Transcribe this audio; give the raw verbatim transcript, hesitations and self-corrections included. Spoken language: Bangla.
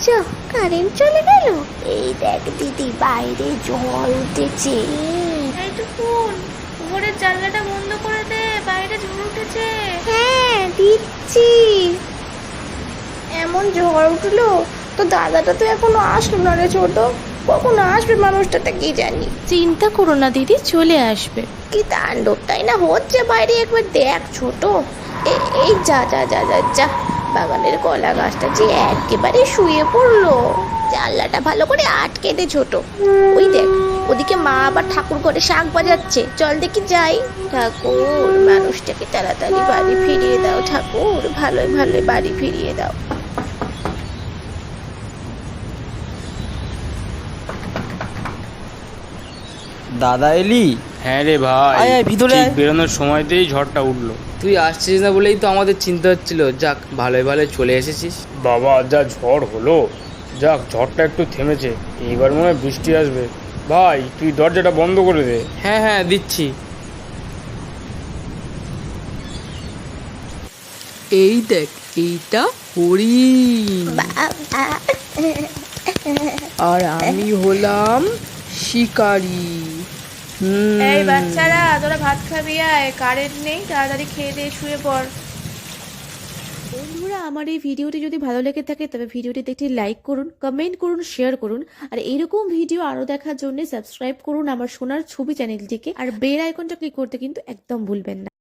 যা, কারেন্ট চলে গেল। এই দেখ দিদি, বাইরে ঝড় উঠেছে। এইটুকুন উপরের জানলাটা বন্ধ করে দে, বাইরে ঝড় উঠেছে। হ্যাঁ দিচ্ছি। এমন ঝড় উঠলো, তো দাদাটা তো এখনো আসলো না রে ছোট। কখন আসবে মানুষটাতে কি জানি। চিন্তা করো না দিদি, চলে আসবে। কি তাণ্ডবটাই না হচ্ছে বাইরে, একবার দেখ ছোট। এ- এই যা যা যা যা যা, বাগানের কলা গাছটা যে একেবারে শুয়ে পড়লো। জানলাটা ভালো করে আটকে দে ছোট। ওই দেখ, ওদিকে মা আবার ঠাকুর ঘরে শাঁখ বাজাচ্ছে, চল দেখি যাই। ঠাকুর, মানুষটাকে তাড়াতাড়ি বাড়ি ফিরিয়ে দাও ঠাকুর, ভালোই ভালোই বাড়ি ফিরিয়ে দাও। দাদা এলি? হ্যাঁ রে ভাই, আয় আয় ভিতরে ঠিক আয়। বেরোনোর সময়তেই ঝড়টা উঠলো। তুই আসছিস না বলেই তো আমাদের চিন্তা হচ্ছিল। যাক, ভালোই ভালোই চলে এসেছিস। বাবা যা ঝড় হলো, যাক ঝড়টা একটু থেমেছে। এইবার মনে হয় বৃষ্টি আসবে। ভাই তুই দরজাটা বন্ধ করে দে। হ্যাঁ হ্যাঁ দিচ্ছি। এই দেখ, এইটা হরিণ বাবা, আর আমি হলাম শিকারি। হুম। এই বাচ্চারা, তোরা ভাত খাবি আয়, কারেন্ট নেই, তাড়াতাড়ি খেয়ে দিয়ে শুয়ে পড়। বন্ধুরা, আমার এই ভিডিওটি যদি ভালো লেগে থাকে তবে ভিডিওটিতে একটি লাইক করুন, কমেন্ট করুন, শেয়ার করুন। আর এরকম ভিডিও আরো দেখার জন্য সাবস্ক্রাইব করুন আমার সোনার ছবি চ্যানেলটিকে, আর বেল আইকনটা ক্লিক করতে কিন্তু একদম ভুলবেন না।